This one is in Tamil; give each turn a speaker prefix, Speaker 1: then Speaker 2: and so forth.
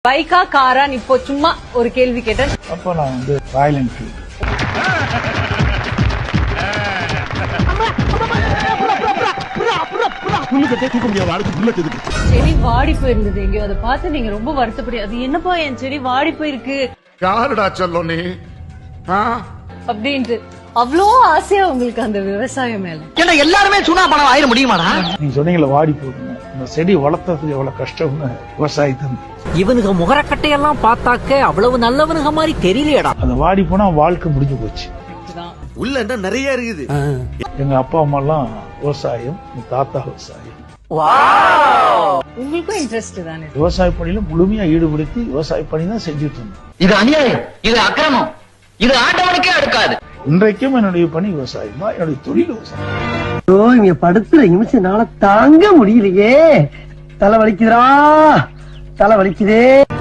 Speaker 1: பைக்கா காரான்னு இப்போ சும்மா ஒரு கேள்வி கேட்டேன்.
Speaker 2: அப்போ நான் வந்து ராயல் என்ஃபீல்டு.
Speaker 1: செடி வாடி போயிருந்தது எங்கேயோ, அதை பார்த்து நீங்க ரொம்ப வருத்தப்படி, அது என்னப்பா என் செடி வாடி போயிருக்கு
Speaker 3: யாருடா சொல்லும் நீ
Speaker 1: அப்படின்ட்டு அவ்வளோ ஆசையா உங்களுக்கு அந்த விவசாயம் மேல.
Speaker 4: ஏன்னா எல்லாருமே சுனா பணம் ஆயிட முடியுமாடா?
Speaker 2: நீங்க சொன்னீங்களா வாடி போகுங்க, இந்த செடி வளர்த்ததுக்கு எவ்வளவு கஷ்டம்னு விவசாயத்தை.
Speaker 4: இவனுக்கு முகரக்கட்டையெல்லாம் பார்த்தாக்க அவ்வளவு நல்லவனுங்க மாதிரி தெரியலையடா.
Speaker 2: அந்த வாடி போனா வாழ்க்கை முடிஞ்சு போச்சு.
Speaker 3: உள்ள என்ன நிறைய இருக்குது.
Speaker 2: எங்க அப்பா அம்மா எல்லாம் விவசாயம், எங்க தாத்தா விவசாயம்.
Speaker 1: உங்களுக்கும் இன்ட்ரெஸ்ட் தானே?
Speaker 2: விவசாய பணியில முழுமையா ஈடுபடுத்தி விவசாய பணி தான் செஞ்சுட்டு இருந்தோம்.
Speaker 4: இது அநியாயம், இது அக்கிரமம், இது ஆண்டவனுக்கே அடுக்காது.
Speaker 2: இன்றைக்கும் என்னுடைய பணி விவசாயம் தான், என்னுடைய தொழில் விவசாயம்.
Speaker 5: இங்க படுத்துற நிமிஷம்னால தாங்க முடியலையே. தலை வலிக்குதுடா, தலை வலிக்குதே.